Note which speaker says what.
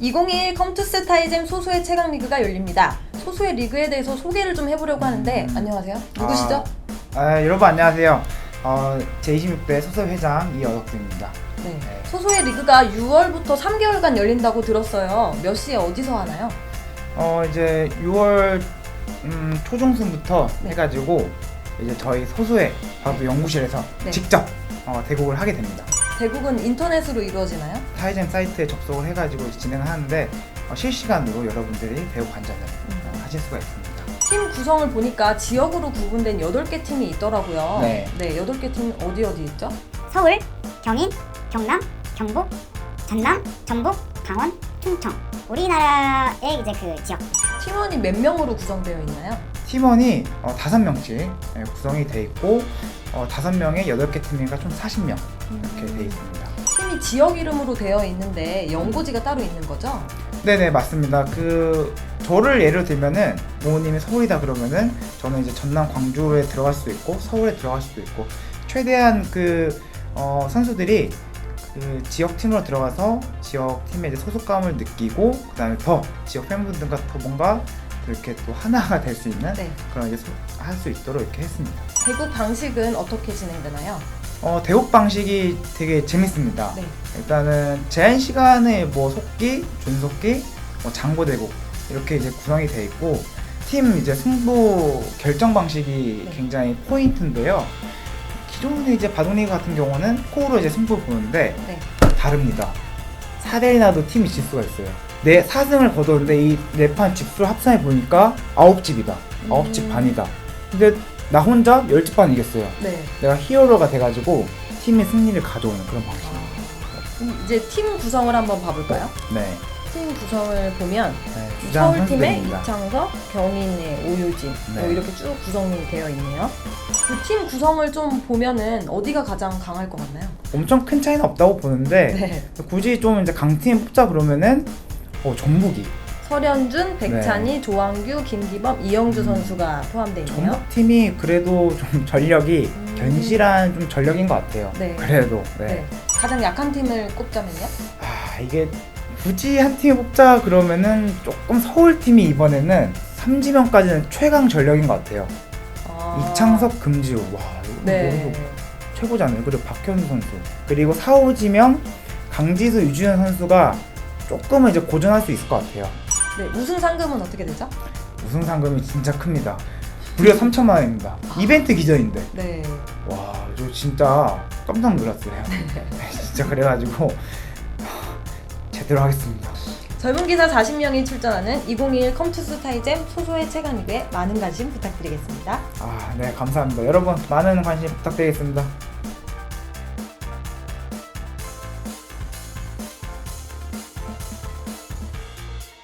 Speaker 1: 2021 컴투스 타이젠 소수의 최강 리그가 열립니다. 소수의 리그에 대해서 소개를 좀 해보려고 하는데 안녕하세요. 누구시죠?
Speaker 2: 여러분 안녕하세요. 제26대 소수 회장 이어덕수입니다.
Speaker 1: 네. 소수의 리그가 6월부터 3개월간 열린다고 들었어요. 몇 시에 어디서 하나요?
Speaker 2: 이제 6월 초중순부터
Speaker 1: 네.
Speaker 2: 해가지고 이제 저희 소수의 바로 연구실에서
Speaker 1: 네.
Speaker 2: 직접 대국을 하게 됩니다.
Speaker 1: 대국은 인터넷으로 이루어지나요?
Speaker 2: 타이젠 사이트에 접속을 해가지고 진행을 하는데 실시간으로 여러분들이 대국 관전을 하실 수가 있습니다.
Speaker 1: 팀 구성을 보니까 지역으로 구분된 8개 팀이 있더라고요.
Speaker 2: 네.
Speaker 1: 8개 팀 어디 있죠?
Speaker 3: 서울, 경인, 경남, 경북, 전남, 전북, 강원, 충청. 우리나라의 이제 그 지역.
Speaker 1: 팀원이 몇 명으로 구성되어 있나요?
Speaker 2: 팀원이 5명씩 구성이 돼 있고 5명에 8개 팀이니까 총 40명 이렇게 돼 있습니다.
Speaker 1: 팀이 지역 이름으로 되어 있는데 연고지가 따로 있는 거죠?
Speaker 2: 네네 맞습니다. 저를 예를 들면은 부모님이 서울이다 그러면은 저는 이제 전남 광주에 들어갈 수도 있고 서울에 들어갈 수도 있고 최대한 선수들이 지역 팀으로 들어가서 지역 팀의 이제 소속감을 느끼고 그다음에 더 지역 팬분들과 더 뭔가 이렇게 또 하나가 될 수 있는
Speaker 1: 네.
Speaker 2: 그런 이제 할 수 있도록 이렇게 했습니다.
Speaker 1: 대국 방식은 어떻게 진행되나요?
Speaker 2: 대국 방식이 되게 재밌습니다.
Speaker 1: 네.
Speaker 2: 일단은 제한 시간에 속기, 준속기, 장고 대국 이렇게 이제 구성이 돼 있고 팀 이제 승부 결정 방식이
Speaker 1: 네.
Speaker 2: 굉장히 포인트인데요. 기존의 이제 바둑리그 같은 경우는 스코어로 이제 승부를 보는데
Speaker 1: 네.
Speaker 2: 다릅니다. 4대1 나도 팀이 질 수가 있어요. 내 4승을 거뒀는데 이 4판 집수를 합산해 보니까 9집이다. 9집 반이다. 근데 나 혼자 10집 반 이겼어요.
Speaker 1: 네.
Speaker 2: 내가 히어로가 돼가지고 팀의 승리를 가져오는 그런 방식입니다.
Speaker 1: 그럼 이제 팀 구성을 한번 봐볼까요?
Speaker 2: 네.
Speaker 1: 팀 구성을 보면
Speaker 2: 주장
Speaker 1: 서울팀의
Speaker 2: 선수들입니다.
Speaker 1: 이창석, 경인의 오유진
Speaker 2: 네.
Speaker 1: 이렇게 쭉 구성이 되어 있네요. 그 팀 구성을 좀 보면은 어디가 가장 강할 것 같나요?
Speaker 2: 엄청 큰 차이는 없다고 보는데
Speaker 1: 네.
Speaker 2: 굳이 좀 이제 강팀 뽑자 그러면은 전북이
Speaker 1: 설현준, 백찬희, 조항규, 김기범, 이영주 선수가 포함되어 있네요.
Speaker 2: 전북팀이 그래도 좀 전력이 견실한 좀 전력인 것 같아요.
Speaker 1: 네.
Speaker 2: 그래도
Speaker 1: 네. 가장 약한 팀을 꼽자면요?
Speaker 2: 이게 굳이 한 팀 뽑자 그러면은 조금 서울팀이 이번에는 3지명까지는 최강 전력인 것 같아요. 이창석, 금지우 와 이거
Speaker 1: 네.
Speaker 2: 최고잖아요. 그리고 박현수 선수 그리고 4, 5지명 강지수, 유주현 선수가 조금은 이제 고전할 수 있을 것 같아요.
Speaker 1: 네. 우승 상금은 어떻게 되죠?
Speaker 2: 우승 상금이 진짜 큽니다. 무려 3천만 원입니다. 이벤트 기전인데
Speaker 1: 네.
Speaker 2: 와 저 진짜 깜짝 놀랐어요. 진짜 그래가지고 제대로 하겠습니다.
Speaker 1: 젊은 기사 40명이 출전하는 2021 컴투스 타이젠 소수의 최강 리그에 많은 관심 부탁드리겠습니다.
Speaker 2: 네 감사합니다. 여러분 많은 관심 부탁드리겠습니다.